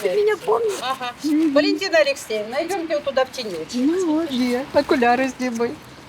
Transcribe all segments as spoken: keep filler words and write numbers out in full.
меня помнит. Ага. Валентина Алексеевна, идемте вот туда в тенечек. Ну, вот, є. Окуляри зніми.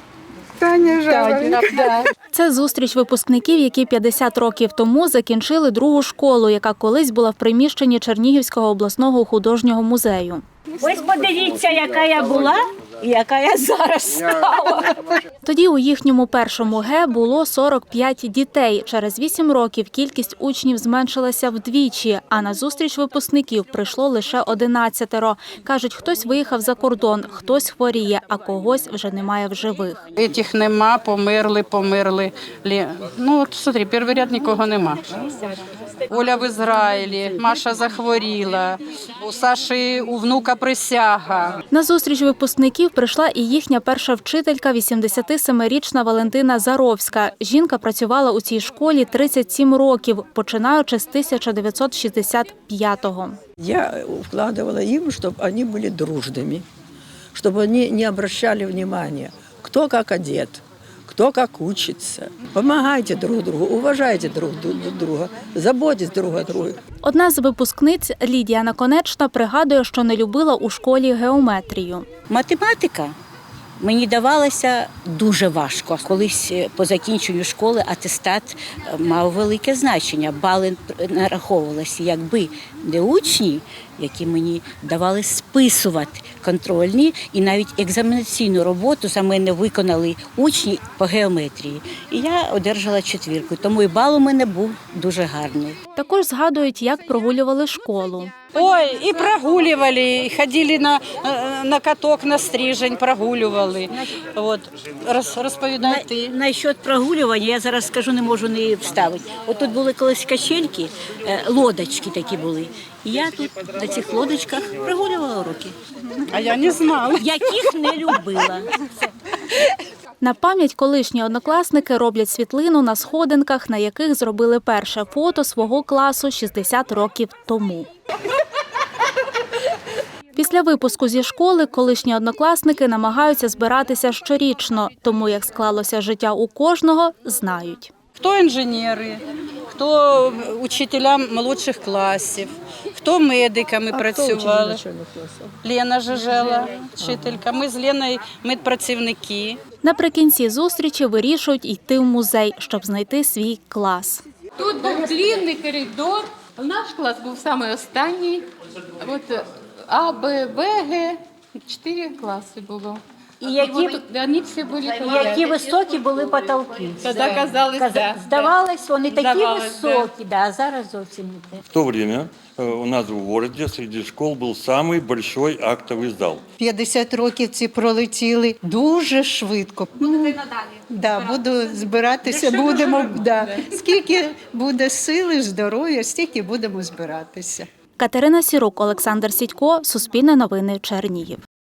Таня Жаворонок. Да. Це зустріч випускників, які п'ятдесят років тому закінчили другу школу, яка колись була в приміщенні Чернігівського обласного художнього музею. Ось подивіться, яка я була і яка я зараз стала. Тоді у їхньому першому Г було сорок п'ять дітей. Через вісім років кількість учнів зменшилася вдвічі, а на зустріч випускників прийшло лише одинадцятеро. Кажуть, хтось виїхав за кордон, хтось хворіє, а когось вже немає в живих. Этих нема, померли, померли. Ну, от смотри, перший ряд нікого нема. Оля в Ізраїлі, Маша захворіла, у Саші у внука присяга. На зустріч випускників прийшла і їхня перша вчителька, вісімдесятисемирічна Валентина Заровська. Жінка працювала у цій школі тридцять сім років, починаючи з тисяча дев'ятсот шістдесят п'ятого. Я вкладывала им, чтобы они были дружными, чтобы они не обращали внимания, кто как одет, кто как учится. Помогайте друг другу, уважайте друг друга, заботьтесь друг о друге. Одна з випускниць, Лідія Наконечна, пригадує, що не любила у школі геометрію. Математика мені давалася дуже важко. Колись по закінченню школи атестат мав велике значення. Бали нараховувалися, якби не учні, які мені давали списувати контрольні, і навіть екзаменаційну роботу за мене виконали учні по геометрії. І я одержала четвірку, тому і бал у мене був дуже гарний. Також згадують, як прогулювали школу. Ой, і прогулювали, і ходили на, на каток, на стрижень, прогулювали. От, роз, розповідай ти. На, насчет прогулювання, я зараз скажу, не можу не вставити. От тут були колись качельки, лодочки такі були. І я тут на цих лодочках прогулювала уроки. А я не знала. Яких не любила. На пам'ять колишні однокласники роблять світлину на сходинках, на яких зробили перше фото свого класу шістдесят років тому. Після випуску зі школи колишні однокласники намагаються збиратися щорічно, тому як склалося життя у кожного, знають. Хто інженери, хто учителя молодших класів, хто медиками А працювали. хто учитель класу? Лена Жижела, вчителька. Ми з Леною медпрацівники. Наприкінці зустрічі вирішують йти в музей, щоб знайти свій клас. Тут був длинний коридор, наш клас був самий останній. От А, Б, В, Г, чотири класи було. І які, Вони всі були які високі були потолки. Тоді казалось, да. Здавалось, вони такі Здавалось, високі, да, а зараз зовсім не те. В то время у нас в городе среди школ был самый большой актовый зал. п'ятдесят років ці пролетіли дуже швидко. Будете надалі? Да, буду збиратися, будемо. Да. Скільки буде сили, здоров'я, стільки будемо збиратися. Катерина Сірук, Олександр Сідько, Суспільне новини, Чернігів.